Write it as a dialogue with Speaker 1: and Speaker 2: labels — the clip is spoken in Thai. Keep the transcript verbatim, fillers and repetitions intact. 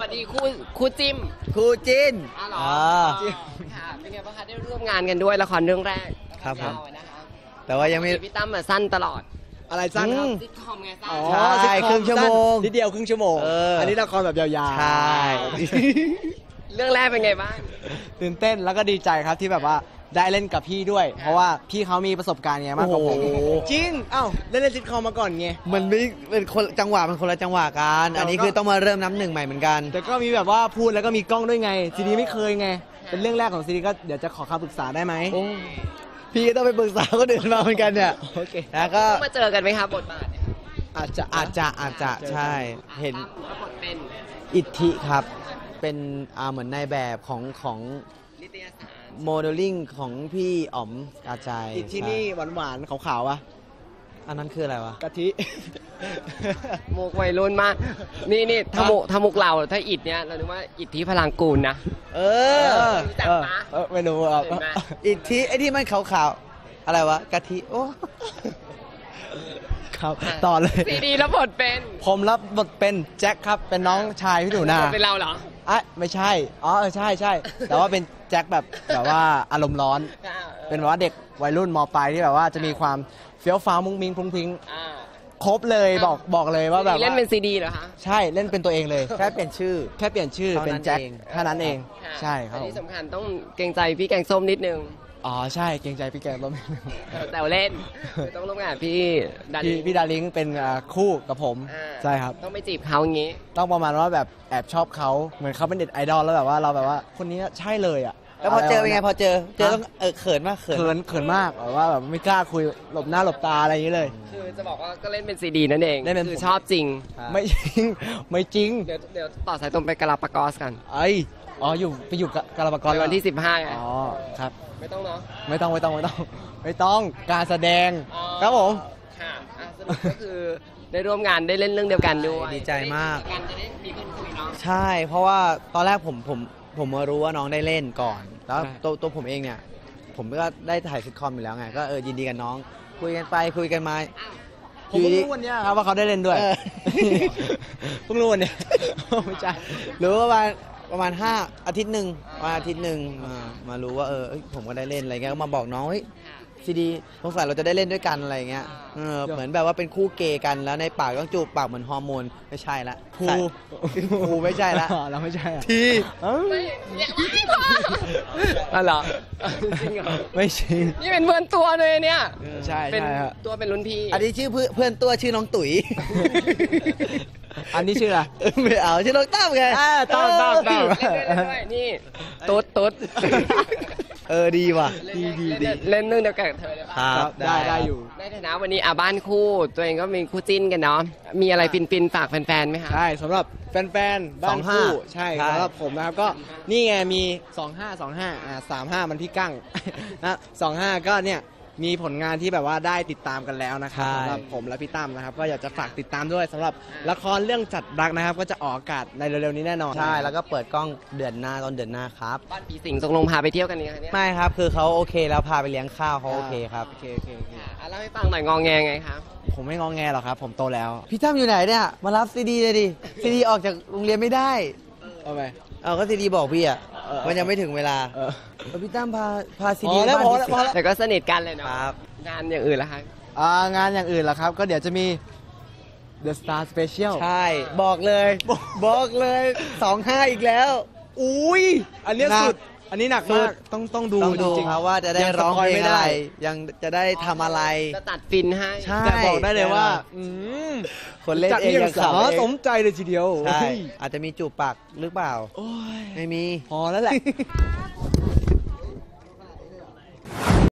Speaker 1: วัสดีคู่คู่จิ้ม
Speaker 2: คู่จิ้น
Speaker 1: อ๋อเหรอค่ะเป็นไงบ้างคะได้ร่วมงานกันด้วยละครเรื่องแรก
Speaker 2: ครับผมแต่ว่ายังไม่
Speaker 1: พี่ตั้มมาสั้นตลอด
Speaker 3: อะไรสั้นครับ
Speaker 1: ซิทคอมไงสั้น
Speaker 3: อ๋อ
Speaker 2: ใช่ครึ่งชั่วโมง
Speaker 3: นิดเดียวครึ่งชั่วโมงอันนี้ละครแบบยาวๆ
Speaker 2: ใช่
Speaker 1: เรื่องแรกเป็นไงบ้าง
Speaker 3: ตื่นเต้นแล้วก็ดีใจครับที่แบบว่าได้เล่นกับพี่ด้วยเพราะว่าพี่เขามีประสบการณ์ไงมากกว่าผมจริงเอ้าเล่นเล่นซิทคอมมาก่อนไง
Speaker 2: มันไม่เป็นคนจังหวะมันคนละจังหวะกันอันนี้คือต้องมาเริ่มน้ำหนึ่งใหม่เหมือนกัน
Speaker 3: แต่ก็มีแบบว่าพูดแล้วก็มีกล้องด้วยไงซีดีไม่เคยไงเป็นเรื่องแรกของซีดีก็เดี๋ยวจะขอคำปรึกษาได้ไหม
Speaker 2: พี่ก็ต้องไปปรึกษาคนอื่นมาเหมือนกันเนี่ย
Speaker 3: โอเค
Speaker 2: แล้วก็
Speaker 1: มาเจอกันไหมครับบทบาท
Speaker 3: อาจจะ
Speaker 2: อาจจะอาจจะใช่เห็น
Speaker 1: บทเป็น
Speaker 2: อิทธิครับเป็นอ่าเหมือนนายแบบของของ
Speaker 1: นิตยสาร
Speaker 2: โมเดลลิ่งของพี่อ๋อมกาใจ
Speaker 3: อิทธินี่หวานๆขาวๆอ่ะ
Speaker 2: อันนั้นคืออะไรวะ
Speaker 3: กะทิ
Speaker 1: มุกวัยรุ่นมากนี่นี่ถ้ามุกถ้ามุกเราถ้าอิดเนี้ยเราคิดว่าอิทธิพลังกูลนะ
Speaker 2: เออ
Speaker 1: จับปะ
Speaker 3: ไม่รู้อ่ะ
Speaker 2: อิทธิไอ้ที่มันขาวๆอะไรวะกะทิโอ้
Speaker 3: ครับต่อเลย
Speaker 1: ซีดีรับบทเป็น
Speaker 3: ผมรับบทเป็นแจ็คครับเป็นน้องชายพี่หนูนา
Speaker 1: เป็นเราเหรอ
Speaker 3: อ่ะไม่ใช่อ๋อเออใช่ใช่แต่ว่าเป็นแจ็คแบบแบบว่าอารมณ์ร้อนเป็นแบบว่าเด็กวัยรุ่นม.ปลายที่แบบว่าจะมีความเฟี้ยวฟ้าวมุ้งมิ้งพรุ้งพริ้งครบเลยบอกบอกเลยว่าแบบ
Speaker 1: เล่นเป็นซีดีเหรอคะ
Speaker 3: ใช่เล่นเป็นตัวเองเลย
Speaker 2: แค่เปลี่ยนชื่อ
Speaker 3: แค่เปลี่ยนชื่อเป็นแจ็คแค่นั้นเองใช่ครับ
Speaker 1: ที่สำคัญต้องเกรงใจพี่แกงส้มนิดนึง
Speaker 3: อ๋อใช่เกรงใจพี่แกงส้ม
Speaker 1: แต่เล่นต้องร่วมงานพี่
Speaker 3: ดาริงพี่ดาริงเป็นคู่กับผมใช่ครับ
Speaker 1: ต้องไปจีบเขาอย่างงี้
Speaker 3: ต้องประมาณว่าแบบแอบชอบเขาเหมือนเขาเป็นเด็กไอดอลแล้วแบบว่าเราแบบว่าคนนี้ใช่เลยอ่ะ
Speaker 2: แล้วพอเจอเป็นไงพอเจอเจอต้องเออเขินมาก
Speaker 3: เขินเขินเขินมากแบบว่าแบบไม่กล้าคุยหลบหน้าหลบตาอะไรอย่างนี้เลย
Speaker 1: คือจะบอกว่าก็เล่นเป็นซีดีนั่นเองคือชอบจริง
Speaker 3: ไม่จริงไม่จริง
Speaker 1: เดี๋ยวเดี๋ยวต่อสายตรงไปกาลาปากอสกัน
Speaker 3: ไออ๋ออยู่ไปอยู่กาลาปากอส
Speaker 1: วันที่สิบห้าไง
Speaker 3: อ๋อครับ
Speaker 1: ไม่ต้องเนาะ
Speaker 3: ไม่ต้องไม่ต้องไม่ต้องไม่ต้องการแสดงครับผม
Speaker 1: ค่ะสรุปก็คือได้ร่วมงานได้เล่นเรื่องเดียวกันด้วย
Speaker 2: ดีใจมาก
Speaker 1: กันจะได้มีคนคุยเนาะ
Speaker 2: ใช่เพราะว่าตอนแรกผมผมผมมารู้ว่าน้องได้เล่นก่อนแล้วตัวตัวผมเองเนี่ยผมก็ได้ถ่ายซิทคอมอยู่แล้วไงก็เออยินดีกับน้องคุยกันไปคุยกันมา
Speaker 3: ผมเพิ่งรู้วันนี้ครับว่าเขาได้เล่นด้วยเพิ่งรู้วันนี้ไม่ใช่
Speaker 2: รู้ว่าประมาณประมาณห้าอาทิตย์หนึ่งมาอาทิตย์หนึ่งมามารู้ว่าเออผมก็ได้เล่นอะไรเงี้ยก็มาบอกน้องเฮ้ยซีดีสงสัยเราจะได้เล่นด้วยกันอะไรเงี้ยเออเหมือนแบบว่าเป็นคู่เกย์กันแล้วในปากต้องจูบปากเหมือนฮอร์โมนไม่ใช่ละ
Speaker 3: คู
Speaker 2: คูไม่ใช่ละ
Speaker 3: เราไม่ใช่
Speaker 2: ที
Speaker 1: ไม่ไม่พออ๋อเหรอจริงเหรอ
Speaker 3: ไม่จริง
Speaker 1: นี่เป็นเพื่อนตัวเลยเนี่ย
Speaker 3: ใช่
Speaker 1: เป็นตัวเป็นรุ่นพี่
Speaker 2: อันนี้ชื่อเพื่อนตัวชื่อน้องตุ๋ย
Speaker 3: อันนี้ชื่ออะไร
Speaker 2: ไม่เอาชื่อน้องตั้มไง
Speaker 3: ตั้มตั้มตั้ม
Speaker 1: นี่ตุ๊ดตุ๊ด
Speaker 2: เออดีว่ะ
Speaker 1: ดีดีดีเล่นเรื่องเดียวกันกับเธอเลยป่ะ
Speaker 3: ครับได้ได้อยู่
Speaker 1: ในฐานะวันนี้อ่ะบ้านคู่ตัวเองก็มีคู่จิ้นกันเนาะมีอะไรฟินๆฝากแฟนๆไหมคะ
Speaker 3: ใช่สำหรับแฟนๆบ้านคู่ใช่สำหรับผมนะครับก็นี่ไงมีสองห้า สองห้าอ่าสามห้ามันพี่กั้งนะสองห้าก็เนี่ยมีผลงานที่แบบว่าได้ติดตามกันแล้วนะครับสำหรับผมและพี่ตั้มนะครับก็อยากจะฝากติดตามด้วยสำหรับละครเรื่องจัดรักนะครับก็จะออกอากาศในเร็วๆนี้แน่นอน
Speaker 2: ใช่แล้วก็เปิดกล้องเดือนหน้าตอนเดือนหน้าครับ
Speaker 1: บ้านผีสิงตกลงพาไปเที่ยวกันนี่เนี่ย
Speaker 2: ไม่ครับคือเขาโอเคแล้วพาไปเลี้ยงข้าวเขาโอเคครับ
Speaker 3: โอเคโอเคโอเค
Speaker 1: เล่าให้ฟังหน่อยงองแงไงครับ
Speaker 3: ผมไม่งองแงหรอกครับผมโตแล้ว
Speaker 2: พี่ตั้มอยู่ไหนเนี่ยมารับซีดีเลยดิซีดีออกจากโรงเรียนไม่ได้
Speaker 3: เอาไป
Speaker 2: เอาก็ซีดีบอกพี่อ่ะมันยังไม่ถึงเวลาพี่ตั้มพาพาซีดี
Speaker 3: แล้วพอแล้วพอแล้ว
Speaker 1: แต่ก็สนิทกันเลยเนาะงานอย่างอื่นล่ะคะ
Speaker 3: อ่างานอย่างอื่นล่ะครับก็เดี๋ยวจะมี The Star Special
Speaker 2: ใช่บอกเลยบอกเลยสองห้าอีกแล้ว
Speaker 3: อุ้ยอันนี้สุดอันนี้หนักมากต้องต้องดู
Speaker 2: จริงๆครับว่าจะได้ร้องเพลงอะไรยังจะได้ทำอะไร
Speaker 1: จะตัดฟินให้
Speaker 3: แต่บอกได้เลยว่า
Speaker 2: คนเล่นเองยังข
Speaker 3: ำสมใจเลยทีเดียว
Speaker 2: ใช่อาจจะมีจูบปากหรือเปล่าไม่มี
Speaker 3: พอแล้วแหละ